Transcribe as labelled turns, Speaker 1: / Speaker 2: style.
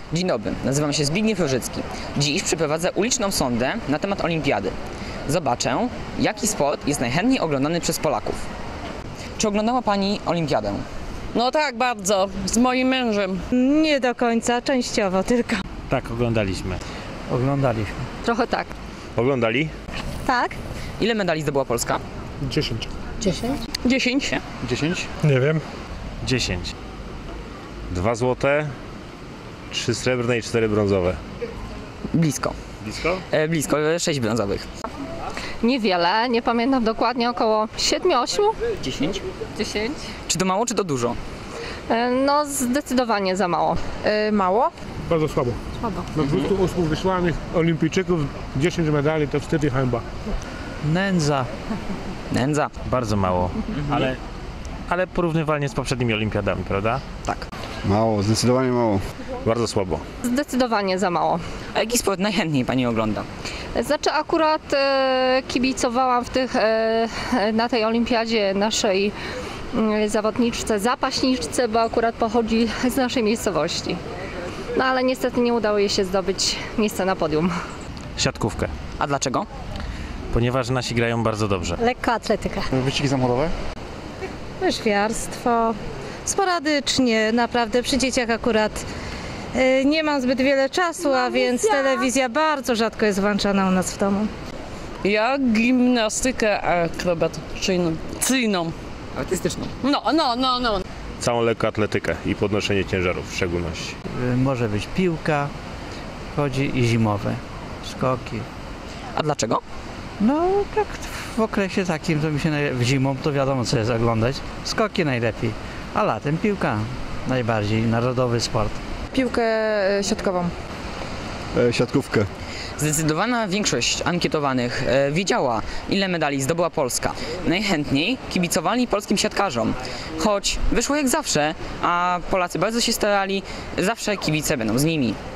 Speaker 1: Dzień dobry, nazywam się Zbigniew Różycki. Dziś przeprowadzę uliczną sondę na temat olimpiady. Zobaczę, jaki sport jest najchętniej oglądany przez Polaków. Czy oglądała Pani olimpiadę?
Speaker 2: No tak, bardzo. Z moim mężem.
Speaker 3: Nie do końca, częściowo tylko.
Speaker 4: Tak, oglądaliśmy.
Speaker 5: Oglądaliśmy.
Speaker 2: Trochę tak.
Speaker 6: Oglądali?
Speaker 3: Tak?
Speaker 1: Ile medali zdobyła Polska?
Speaker 5: 10.
Speaker 2: 10.
Speaker 4: 10?
Speaker 5: Nie wiem.
Speaker 4: 10.
Speaker 6: 2 złote, 3 srebrne i 4 brązowe.
Speaker 1: Blisko.
Speaker 6: Blisko?
Speaker 1: Blisko, 6 brązowych.
Speaker 2: Niewiele, nie pamiętam dokładnie, około 7-8.
Speaker 1: 10.
Speaker 2: 10.
Speaker 1: Czy to mało, czy to dużo?
Speaker 2: No zdecydowanie za mało.
Speaker 3: Mało?
Speaker 5: Bardzo słabo. Na 28 wysłanych olimpijczyków 10 medali to wstyd i hańba.
Speaker 7: Nędza.
Speaker 1: Nędza.
Speaker 4: Bardzo mało, ale porównywalnie z poprzednimi olimpiadami, prawda?
Speaker 1: Tak.
Speaker 8: Mało, zdecydowanie mało.
Speaker 6: Bardzo słabo.
Speaker 2: Zdecydowanie za mało.
Speaker 1: A jaki sport najchętniej Pani ogląda?
Speaker 2: Znaczy akurat kibicowałam na tej olimpiadzie naszej zawodniczce, zapaśniczce, bo akurat pochodzi z naszej miejscowości. No ale niestety nie udało jej się zdobyć miejsca na podium.
Speaker 4: Siatkówkę,
Speaker 1: A dlaczego?
Speaker 4: ponieważ nasi grają bardzo dobrze.
Speaker 3: Lekka atletyka.
Speaker 8: Wyścigi samochodowe?
Speaker 3: Łyżwiarstwo. Sporadycznie, naprawdę przy dzieciach akurat nie mam zbyt wiele czasu, a więc telewizja bardzo rzadko jest włączana u nas w domu.
Speaker 2: Ja gimnastykę akrobacyjną.
Speaker 1: Artystyczną.
Speaker 2: No.
Speaker 6: Całą lekkoatletykę i podnoszenie ciężarów w szczególności.
Speaker 7: Może być piłka, chodzi i zimowe, skoki.
Speaker 1: A dlaczego?
Speaker 7: No tak w okresie takim to mi się w zimą to wiadomo co jest oglądać. Skoki najlepiej, a latem piłka najbardziej, narodowy sport.
Speaker 9: Piłkę siatkową.
Speaker 8: Siatkówkę.
Speaker 1: Zdecydowana większość ankietowanych wiedziała, ile medali zdobyła Polska. Najchętniej kibicowali polskim siatkarzom. Choć wyszło jak zawsze, a Polacy bardzo się starali, zawsze kibice będą z nimi.